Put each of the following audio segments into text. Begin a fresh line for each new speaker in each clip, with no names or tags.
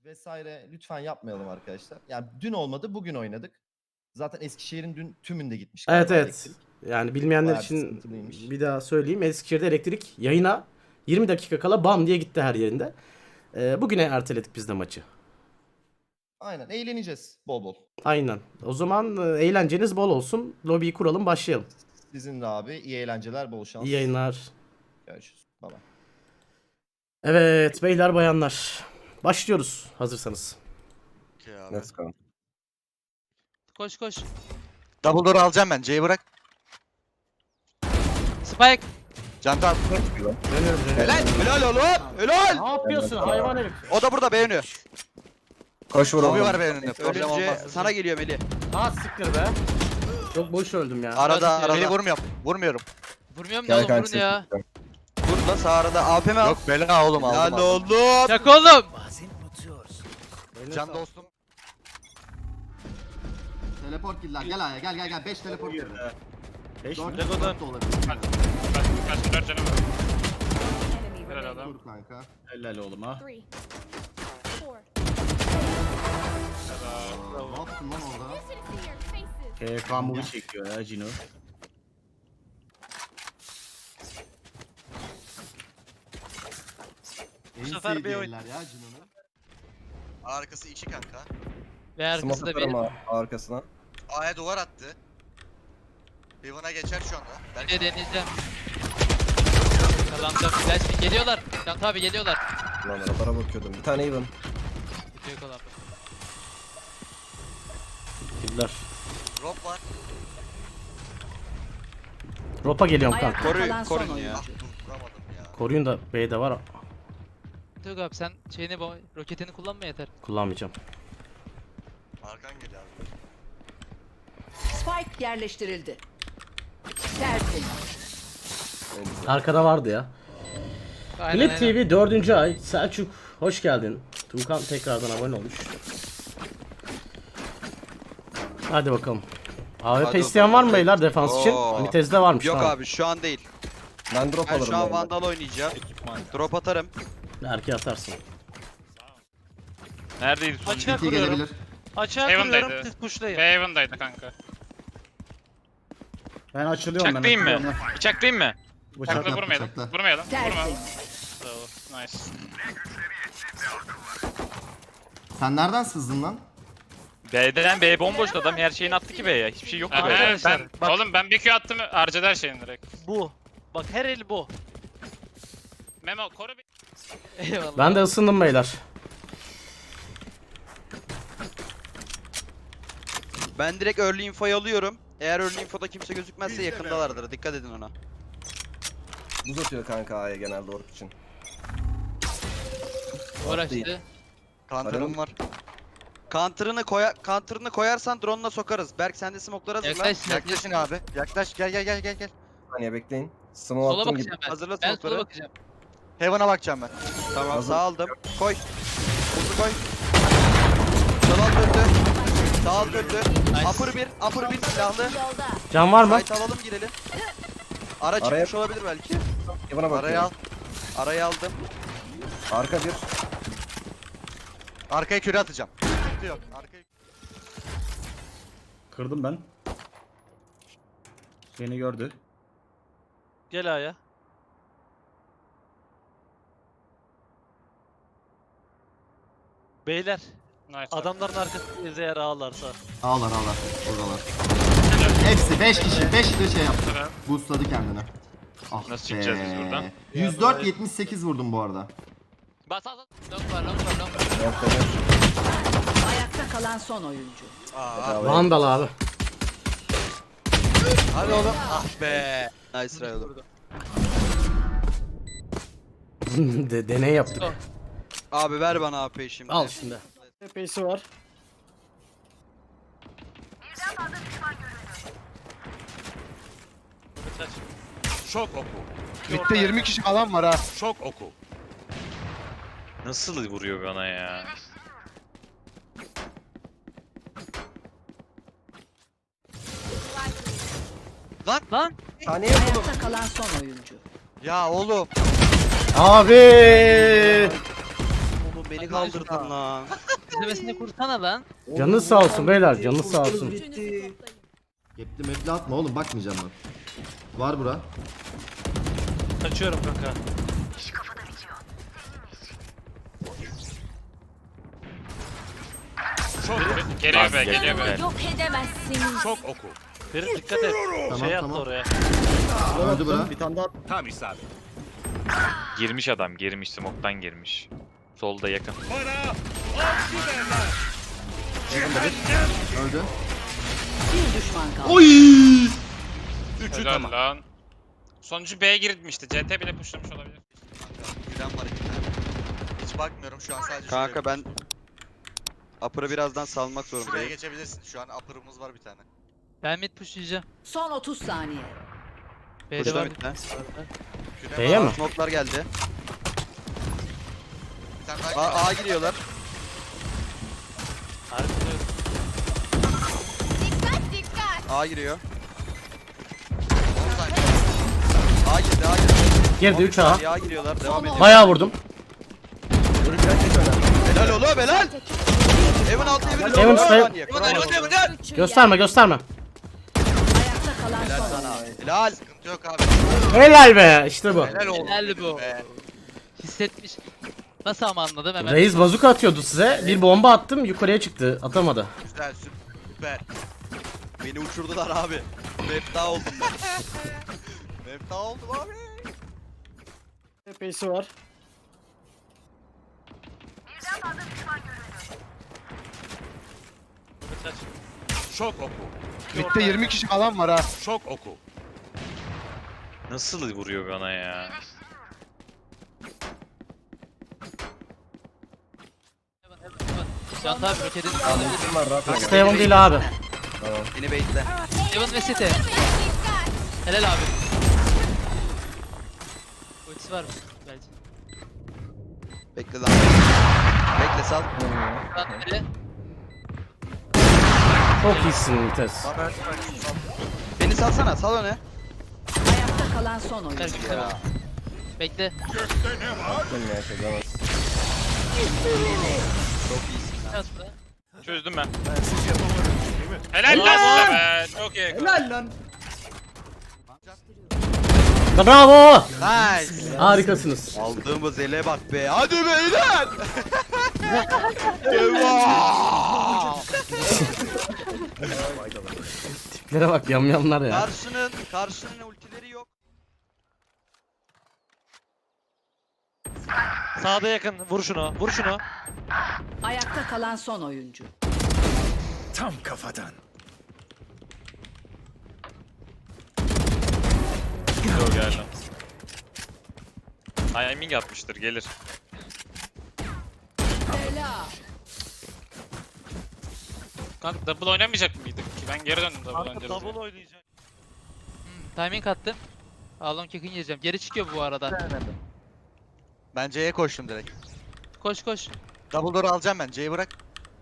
vesaire lütfen yapmayalım arkadaşlar. Yani dün olmadı, bugün oynadık. Zaten Eskişehir'in dün tümünde gitmiş
Evet
galiba
evet.
elektrik.
Yani bilmeyenler
Bayağı bir
için
sıkıntılıymış.
bir daha söyleyeyim. Eskişehir'de elektrik yayına 20 dakika kala bam diye gitti her yerinde. Bugüne erteledik biz de maçı.
Aynen, eğleneceğiz bol bol.
Aynen. O zaman eğlenceniz bol olsun. Lobiyi kuralım, başlayalım.
Sizin de abi iyi eğlenceler, bol şans.
İyi yayınlar.
Görüşürüz. Bye bye.
Evet beyler bayanlar. Başlıyoruz hazırsanız.
Okay abi.
Let's go.
Koş koş.
Double door alacağım ben. C'yi bırak.
Spike.
Canta at.
Dönüyorum dönüyorum.
Helal. Helal oğlum. Helal.
Ne yapıyorsun hayvan herif?
O da burada beğeniyor.
Koş vur
Lobi
oğlum.
var beğeninde.
Problem
Ölünce
olmaz.
sana geliyor Melih.
Ha siktir be. Çok boş öldüm ya.
Arada. Melih vurmuyorum. Vurmuyorum.
Vurmuyorum da
Gel
oğlum vurun
kanka.
ya.
Vur da sağ arada APM al.
Yok bela oğlum aldım.
Helal oğlum.
Çak oğlum.
Can dostum.
Teleport killer. Gel Aya, gel. 5 teleport killer.
5
4
Lego'dan.
da olabilir.
Kaç 4 canım var. Helal adam.
Dur kanka.
Helal oğlum ha.
3, 4.
Ne yaptın lan orada?
Listen to your faces.
KK movie çekiyor ya Cino.
Bu
sefer bir oyun.
ya Cino'nun.
Arkası içi kanka.
Ve arkası
Smoke
da
atarım
benim.
arkasına.
A'ya duvar attı. Heaven'a geçer şu anda.
Ne
Belki
deneyeceğim. Kazandım. Flash geliyorlar. Can abi geliyorlar.
Lan arabara bakıyordum. Bir tane even.
Bitiyor kalan.
Killer.
drop var.
Ropa geliyorum kanka.
Koruyun ya. Ah dur vuramadım ya.
Koruyun da B'de var.
Tug abi sen şeyini roketini kullanma yeter.
Kullanmayacağım.
Arkan geliyor abi.
Spike yerleştirildi. Tertemiz.
Arkada vardı ya.
Aynen,
Clip TV 4. ay. Selçuk hoş geldin. Tuğkan tekrardan abone olmuş. Hadi bakalım. AWP
Hadi
isteyen var mı
bakalım.
beyler defans için?
Oo.
Mitez'de varmış.
Yok
tamam.
abi şu an değil.
Ben drop
Ben
alırım.
şu an
bu arada.
Vandal oynayacağım. Drop atarım.
Erkeğe atarsın.
Neredeydi son?
Açığa kuruyorum. Açığa
Heaven'daydı.
kuruyorum siz pushlayın.
Haven'daydı kanka.
Ben açılıyorum.
Bıçaklayayım mı? Bıçaklayayım mı?
Bıçak.
Kanka vurmayalım. Vurmayalım. Vurma.
Tertemiz.
Bravo. Nice.
Sen nereden sızdın lan?
B'den B bomboştu adam her şeyini attı ki B'ye. Hiçbir şey yoktu B'ye.
Arkadaşlar, bak-
Oğlum ben bir Q attım harcadı her şeyini direkt.
Bu. Bak her el bu.
Memo koru bir.
Eyvallah.
Ben de ısındım beyler.
Ben direkt early info'yu alıyorum. Eğer early info'da kimse gözükmezse yakındalardır. Dikkat edin ona.
Buz atıyor kanka A'ya genelde ork için.
Uğraştı.
Counter'ım var. Counter'ını koyarsan drone'la sokarız. Berk sen de smoke'ları hazırla.
Yaklaş,
Yaklaşın abi. Yaklaş gel.
Bir saniye bekleyin. Smoke
Sola
attım gibi.
bakacağım ben.
Hazırla
Ben sola
smoke'ları.
bakacağım.
Heaven'a bakacağım ben. Tamam
Hazır.
sağ aldım. Koy. Hızlı koy. Sol alt öldü. Sağ alt öldü. Upper bir silahlı.
Yolda.
Can var mı?
Fight alalım girelim. Ara
Araya-
çıkmış olabilir belki.
Evan'a
Araya al.
bakıyorum.
Araya aldım.
Arka bir.
Arkaya küre atacağım. Sıkıntı yok. Arkaya...
Kırdım ben. Beni gördü.
Gel A'ya. Beyler
Nice.
adamların arkasında eğer ağlarsa.
Ağlar. Oradalar. Hepsi 5 kişi. 5 de şey yaptı.
Evet.
Boostladı kendini. Ah
Nasıl çıkacağız biz buradan?
104-78 vurdum bu arada.
Bas al. Long var.
Nokta bir.
Ayakta kalan son oyuncu.
Aa,
Vandal abi.
hadi oğlum. Ah be. Nice try oğlum.
Deney yaptık.
Abi ver bana AP'yi şimdi.
Al şimdi.
TP'si var.
Şok oku.
Mid'de 20 kişi falan var ha.
Şok oku. Nasıl vuruyor bana ya?
Lan.
Saniye buldum.
Ayakta kalan son oyuncu.
Ya oğlum.
Abi.
beni kaldırdın lan.
İzlemesini kursana lan.
Canınız sağ olsun beyler, canınız sağ olsun.
Gücünüzü toplayın.
Gepli mepli atma oğlum bakmayacağım bak. Var bura.
Kaçıyorum kanka.
Şok. Geliyor be, geliyor be.
Yok edemezsiniz.
Şok oku.
Ferit dikkat et.
Tamam,
Şey attı
tamam.
oraya.
Öldü bura.
Bir tane daha.
Tam isabet. Girmiş adam, girmiş. Smoke'tan girmiş. Solda yakın.
Öldü.
Bir düşman kaldı.
Oy!
Üçü
Helal
tamam.
lan. Sonuncu B'ye girmişti. CT bile pushlamış olabilir.
Gülen var iki tane. Hiç bakmıyorum şu an sadece
Kanka ben Upper'ı birazdan salmak
şuraya
zorundayım.
geçebilirsin. Şu an upper'ımız var bir tane.
Ben mid pushlayacağım.
Son 30 saniye.
B'de
Kuşla
var.
bitti.
Gülen
B'ye
var.
mi?
Smoke'lar geldi.
Bir tane daha geliyor.
A giriyorlar.
Harbi.
Dikkat dikkat.
A giriyor.
10 saniye.
A girdi, A girdi.
Girdi 3 A.
A giriyorlar. Devam ediyor.
Bayağı vurdum.
Helal oğlum, helal. Evin altı, evin üstü.
Evin üstü.
Üçü
Gösterme gösterme.
Ayakta kalan
Helal
son
sana.
oyuncu.
Helal.
Sıkıntı yok abi.
Helal be, işte bu.
Helal oldu.
Helal bu.
Be.
Hissetmiş. Nasıl ama anladım hemen.
Reis bazuka atıyordu size. Bir bomba attım, yukarıya çıktı. Atamadı.
Güzel süper.
Beni uçurdular abi. Mefta oldum ben.
Mefta oldum abi.
Epeysi var.
Şok oku.
Mid'de 20 kişi falan var ha.
Şok oku. Nasıl vuruyor bana ya?
Can tabi roketin alabilir.
Steven değil abi.
Beni bekle.
Evan ve City. Helal abi. Ultisi var mı? Belki.
Bekle lan. Bekle sal.
Lan nereye?
Çok iyisin Vites.
Beni salsana, sal öne.
Ayakta kalan son oyuncu.
Gel, tamam. Bekle. Biraz da.
Çözdüm ben. Helal lan size be. Çok iyi.
Helal lan.
Bravo.
Nice.
Harikasınız.
Aldığımız ele bak be. Hadi beyler. Devam.
Tiplere bak, yamyamlar ya.
Karşının ultileri yok.
Sağda yakın. Vur şunu. Vur şunu.
Ayakta kalan son oyuncu.
Yok geldi. Timing atmıştır, gelir.
Kanka double oynamayacak mıydık ki? Ben geri döndüm double oynayacağız. Double oynayacak.
Timing attım. Alon kick'in yiyeceğim. Geri çıkıyor bu arada.
Ben C'ye koştum direkt.
Koş koş.
Double door alacağım ben. C'yi bırak.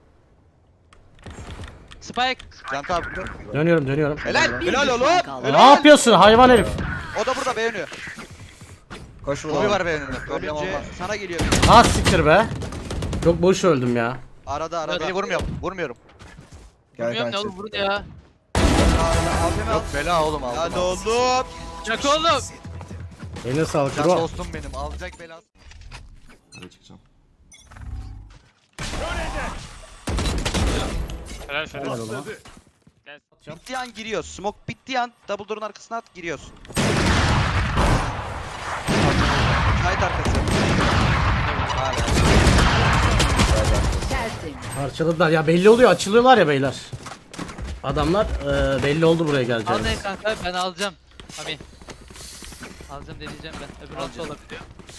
Spike.
Can abi.
Dönüyorum.
Helal.
Bir
Helal
düşman
oğlum.
kaldı.
Ne yapıyorsun hayvan herif?
O da burada beğeniyor.
Koş
Kobi var beğeninde. Problem
Ölünce
olmaz.
sana geliyor.
Ah siktir be. Çok boş öldüm ya.
Arada.
Beni vurmuyorum. Vurmuyorum.
Gel
Bilmiyorum ne
kanka.
olur vurun ya.
Yok bela oğlum aldım.
Hadi oğlum.
Çak oğlum.
Eline sağlık
Can
bro.
dostum benim. Alacak belası.
Buraya çıkacağım.
Helal şöyle.
Helal oğlum.
Bittiği an giriyoruz. Smoke bittiği an double door'un arkasına at giriyoruz. Kayıt arkası. Hala.
Tertemiz.
Parçaladılar ya, belli oluyor, açılıyorlar ya beyler. Adamlar belli oldu buraya
Al
geleceğini.
ne kanka ben alacağım. Ami. Alacağım deneyeceğim ben. Öbür altı olabiliyor.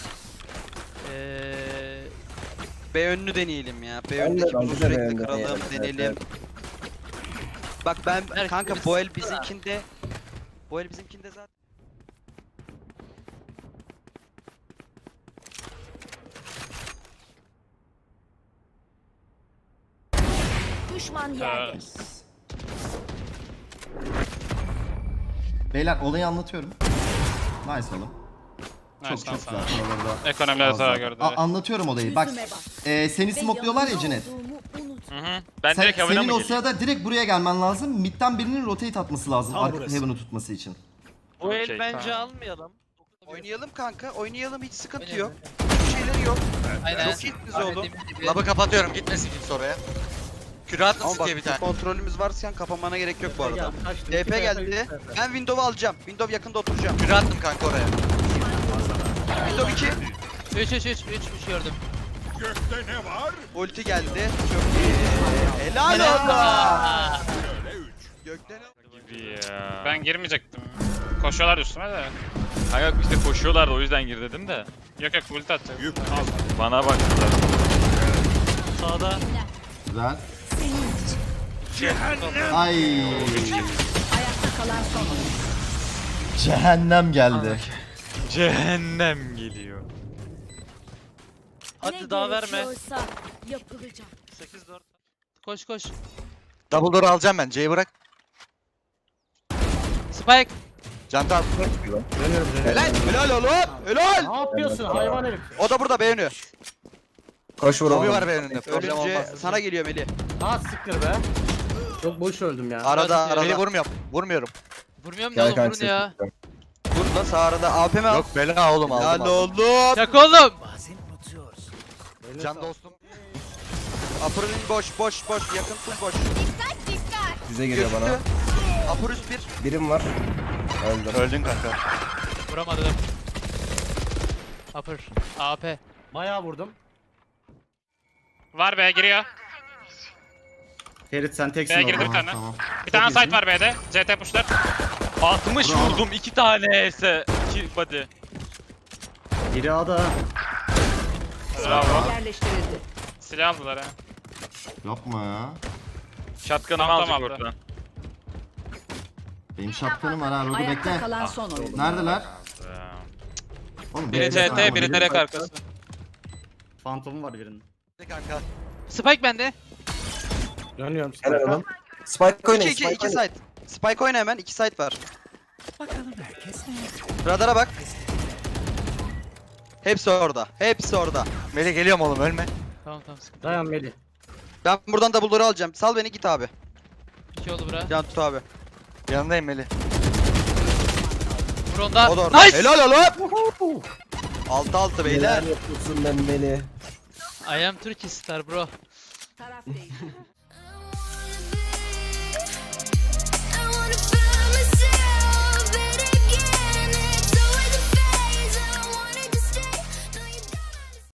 B önünü deneyelim ya. B
Ben de-
önündeki
ben
buzu
de B
sürekli
önünde
kıralım,
deneyelim.
deneyelim. Bak ben
Berk,
kanka
biz-
bu el bizimkinde zaten.
Düşman yerde.
Beyler olayı anlatıyorum. Nice oğlum. Çok
Nice,
çok
nice,
güzel.
nice.
Oralarda
Ekonomiler
az
zarar
zaten.
gördü.
Anlatıyorum olayı. Bak
Yüzüme bak.
seni
Ve
smokluyorlar ya Cinet.
yanımda olduğumu unut.
Hı hı. Ben
Sen,
direkt havana
senin
mı
o
geleyim?
sırada direkt buraya gelmen lazım. Mid'den birinin rotate atması lazım.
Tam
Arka
burası.
Heaven'ı tutması için.
Bu el
Okey,
bence
tamam.
almayalım. Oynayalım kanka. Oynayalım hiç sıkıntı
Oynayalım.
yok. Bir şeyleri yok.
Aynen.
Çok iyisiniz oğlum.
Labı kapatıyorum gitmesin kimse oraya. Küre
Ama
atlasın
bak
diye bir tane.
kontrolümüz varken kapamana gerek yok bu arada.
Gel, kaçtı.
TP geldi. Ben Windows'u alacağım. Windows yakında oturacağım.
Küre attım kanka oraya.
Windows 2.
3 gördüm.
Ulti geldi. Çok iyi. Helal olsun. Gökten
Gibi ya.
Ben girmeyecektim. Koşuyorlar üstüme de.
Kanka işte koşuyorlardı o yüzden gir dedim de.
Yok ulti atacak.
Bana baktılar.
Sağda.
Güzel.
Senin için.
Ay.
Ayakta kalan son oyuncu.
Cehennem geldi.
Cehennem geliyor.
Hadi
Ne
daha verme.
gerekiyorsa yapılacak.
8-4. Koş.
Double door alacağım ben. C'yi bırak.
Spike.
Canta al.
Dönüyorum.
Helal oğlum. Helal.
Ne yapıyorsun hayvan herif?
O da burada beğeniyor.
Koş vur
Lobi
oğlum.
var benim önümde. Problem
Ölünce
olmaz.
sana geliyor Melih.
Ha siktir be. Çok boş öldüm ya.
Arada
Beni
arada.
vurmuyorum. Vurmuyorum.
Vurmuyorum da
Gel
oğlum
kanka.
vurun ya.
Burada sağ arada APM al.
Yok bela oğlum
Helal
aldım. aldım.
oğlum.
Çak oğlum.
Can dostum.
Upper'ın boş. Yakın full boş.
Bize geliyor bana.
Gözüktü. Upper üst bir.
Birim var. Öldüm.
Öldün kanka.
Vuramadım. Upper. AP.
Bayağı vurdum.
Var B giriyor.
Ferit sen teksin
B'ye girdi
orada.
bir tane.
Tamam.
Bir tane site var B'de. CT pushlar.
60 vurdum 2 tane ise 2 body.
Biri A'da.
Bravo.
Yerleştirildi.
Silah aldılar ha.
Yapma ya.
Shotgun'ımı
Tamam,
alacak
tamam.
ortadan.
Benim şapkanım var ha. Rogu
Ayakta
bekle.
kalan son oyuncu.
Neredeler? Oğlum,
Biri
bekle.
CT, biri direkt arkası.
Fantomum var birinin.
Kanka.
Spike bende.
Dönüyorum.
Helal oğlum. Spike oynayın.
2
Spike oynayın.
site. Spike oyna hemen. 2 site var. Radara bak. Hepsi orada. Hepsi orada.
Melih geliyorum oğlum ölme.
Tamam sıkıntı.
Dayan Melih.
Ben buradan da double'ları alacağım. Sal beni git abi.
2 oldu bura.
Can tut abi.
Yanındayım Melih.
Vur onda.
O da orada.
Nice.
Helal oğlum. 6-6 beyler.
Neler yapıyorsun ben Melih?
I am Turkish star bro.
Taraf değişti.